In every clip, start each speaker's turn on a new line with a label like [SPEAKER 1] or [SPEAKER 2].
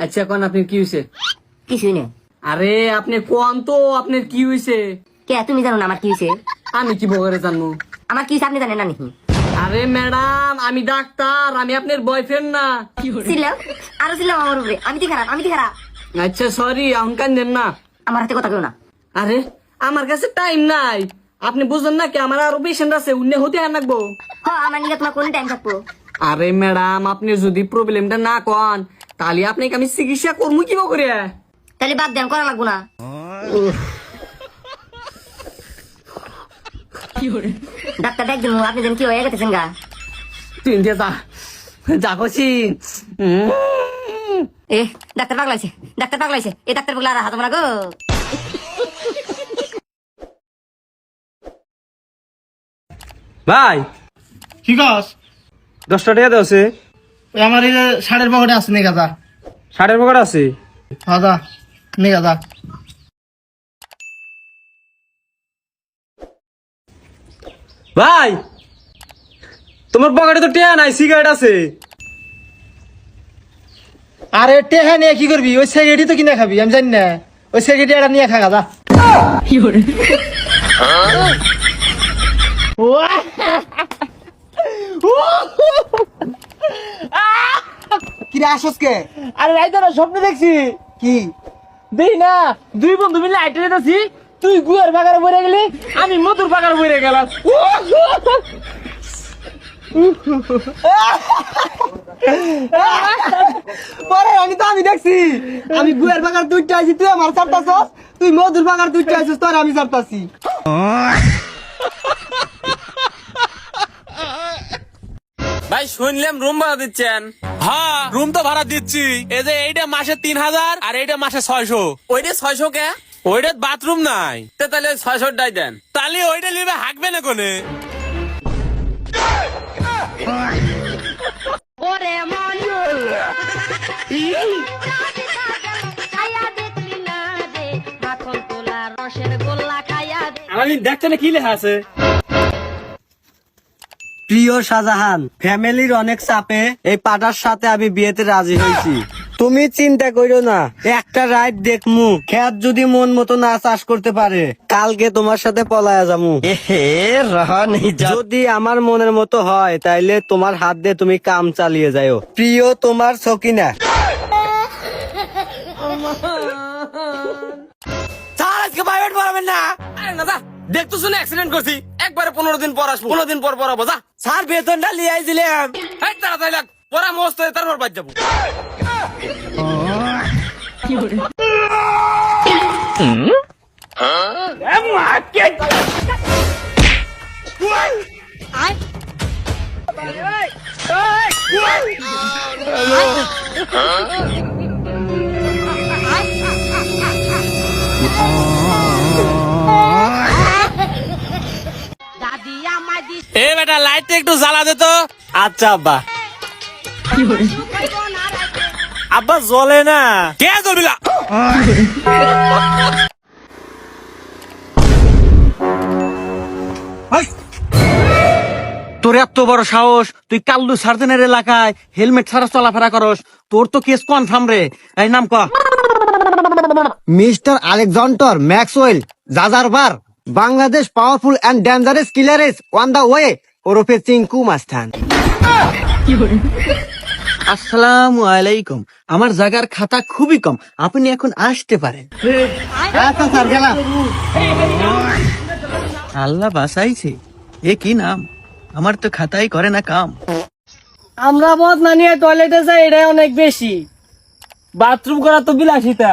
[SPEAKER 1] আচ্ছা কোন আপনি কি হয়েছে?
[SPEAKER 2] কিছুই না।
[SPEAKER 1] আরে আপনি কোন তো আপনার কি হয়েছে?
[SPEAKER 2] কে তুমি জানো না আমার কি হয়েছে?
[SPEAKER 1] আমি কি বগরে জানবো?
[SPEAKER 2] আমার কি হয়েছে আপনি জানেন না নাকি?
[SPEAKER 1] আরে ম্যাডাম আমি ডাক্তার, আমি আপনার বয়ফ্রেন্ড না।
[SPEAKER 2] ছিলাম আরো ছিলাম আমার উপরে। আমি কি খারাপ?
[SPEAKER 1] আচ্ছা সরি, এখন কান দেন না।
[SPEAKER 2] আমার হাতে কথা কেউ না।
[SPEAKER 1] আরে আমার কাছে টাইম নাই, আপনি বুঝলেন না কি? আমার আরো পেশেন্ট আছে, উন্নে হতে আনবো।
[SPEAKER 2] আমার নিয়ে তোমার কোন টাইম থাকবো?
[SPEAKER 1] আরে ম্যাডাম আপনি যদি প্রবলেমটা না কন তাহলে আপনাকে আমি চিকিৎসা করবো কি করে?
[SPEAKER 2] তাহলে বাদ দেন, করা লাগবো না। ডাক্তার ডাক দিন, আপনি যেন কি হয়ে গেছেন গা।
[SPEAKER 1] তুই যা যা করছি।
[SPEAKER 2] এ ডাক্তার পাগলাইছে, এই ডাক্তার পাগলা আর হাত না গো।
[SPEAKER 3] ভাই
[SPEAKER 4] কি কস?
[SPEAKER 3] 10টা টাকা দেওয়া আছে।
[SPEAKER 4] ওই আমার এই যে ষাটের পকেটে আছে, নিয়ে গাদা।
[SPEAKER 3] 60-এর পকেট আছে।
[SPEAKER 4] হাদা নিয়ে গাদা।
[SPEAKER 3] ভাই তোমার পকেটে তো টিয়া নাই, সিগারেট আছে।
[SPEAKER 4] আরে টেহা নিয়ে কি করবি? ওই সিগারেটই তো কিনে খাবি, আমি জানি না। ওই সিগারেট এটা নিয়ে খা গাদা। কি রে আসস কে?
[SPEAKER 1] আরে রাইতে না স্বপ্ন দেখছি।
[SPEAKER 4] কি
[SPEAKER 1] দেই না, দুই বন্ধু মিলে আইটে যেতেছি, তুই গুয়ার বাগারে বইরে গেলি, আমি মধুর বাগারে বইরে গেলাম।
[SPEAKER 4] পরে আমি দেখছি, আমি গুয়ের বাগার দুইটা আইছি, তুই আমার চাপতাছস। তুই মধুর বাগার দুইটা আইছিস, তোর আমি চাপতাছি।
[SPEAKER 5] ভাই শুনলাম রুম ভাড়া দিচ্ছেন? হ্যাঁ রুম তো ভাড়া দিচ্ছি। এই যে এইটা মাসে 3000 আর এইটা মাসে 600। ওইটা 600 কে? ওইটা বাথরুম নাই। তাহলে 600 টাই দেন। তাহলে ওইটা নিবে হাঁকবে না কোনে?
[SPEAKER 2] ওরে মন মাখন তোলা রসের গোল্লা খাইয়া দে।
[SPEAKER 3] আমার দেখতে না কি লেখা আছে?
[SPEAKER 6] প্রিয় শাহজাহান, ফ্যামিলির অনেক চাপে এই পাটার সাথে আমি বিয়েতে রাজি হয়েছি। তুমি চিন্তা করো না, একটা রাইড দেখমু, খেত যদি মন মতো না চাষ করতে পারে কালকে তোমার সাথে পলায়া যামু। যদি আমার মনের মতো হয় তাইলে তোমার হাত দিয়ে তুমি কাম চালিয়ে যাও। প্রিয় তোমার সকিনা।
[SPEAKER 5] স্যার আজকে প্রাইভেট পড়াবেন না? আরে না যা, দেখতো শুনে অ্যাক্সিডেন্ট করছি, একবারে 15 দিন পর আসবো, 15 দিন পর পড়াবো। যা
[SPEAKER 6] স্যার বেতনটা লিয়ে আইছিলাম।
[SPEAKER 5] এই তাড়াতাড়ি লাগ, পড়া মস্ত হয়ে তারপর বাদ যাবো।
[SPEAKER 2] দাদি আমায় দিস
[SPEAKER 5] এ বেটা লাইটটা একটু জ্বালা দে তো।
[SPEAKER 3] আচ্ছা আব্বা। আব্বা জ্বলে না।
[SPEAKER 5] কে জ্বলবি না?
[SPEAKER 6] তোর এত বড় সাহস, তুই কাল্লু সার্জেনের এলাকায় হেলমেট ছাড়া চলাফেরা করস, তোর তো কেস কনফার্ম রে। এই নাম ক? মিস্টার আলেকজান্ডার ম্যাক্সওয়েল জাজারবার, Bangladesh powerful and dangerous killers on the way, ওরফে চিঙ্কু মাস্তান। আসসালামু আলাইকুম, আমার জায়গার খাতা খুবই কম, আপনি এখন আসতে পারেন। আচ্ছা স্যার, গেলাম। আল্লাহ বাঁচাইছে, এ কি নাম? আমার তো খাতাই করে না কাম।
[SPEAKER 1] আমরা মদ না নিয়ে টয়লেটে যাই, এটাই অনেক বেশি। বাথরুম করা তো বিলাসিতা।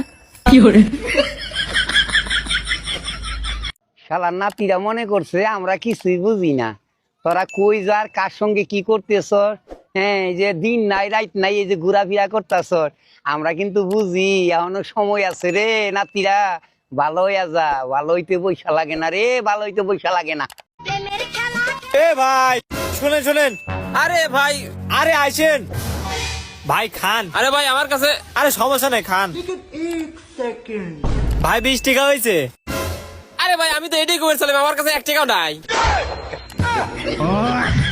[SPEAKER 6] শালার নাতিরা মনে করছে আমরা কিছুই বুঝি না। তোরা কই যার কার সঙ্গে কি করতেছ, হ্যাঁ এই যে দিন নাই রাত নাই এই যে ঘোরাফেরা করতেছ, আমরা কিন্তু বুঝি। এখনো সময় আছে রে নাতিরা, ভালো হইয়া যা। ভালো হইতে পয়সা লাগে না রে, ভালো হইতে পয়সা লাগে না।
[SPEAKER 3] এ ভাই শুনেন শুনেন।
[SPEAKER 5] আরে ভাই,
[SPEAKER 3] আরে আইসেন ভাই, খান।
[SPEAKER 5] আরে ভাই আমার কাছে।
[SPEAKER 3] আরে সমস্যা নাই, খান ভাই। 20 টাকা হয়েছে।
[SPEAKER 5] আরে ভাই আমি তো এটাই করেছিলাম, আমার কাছে 1 টাকাও নাই।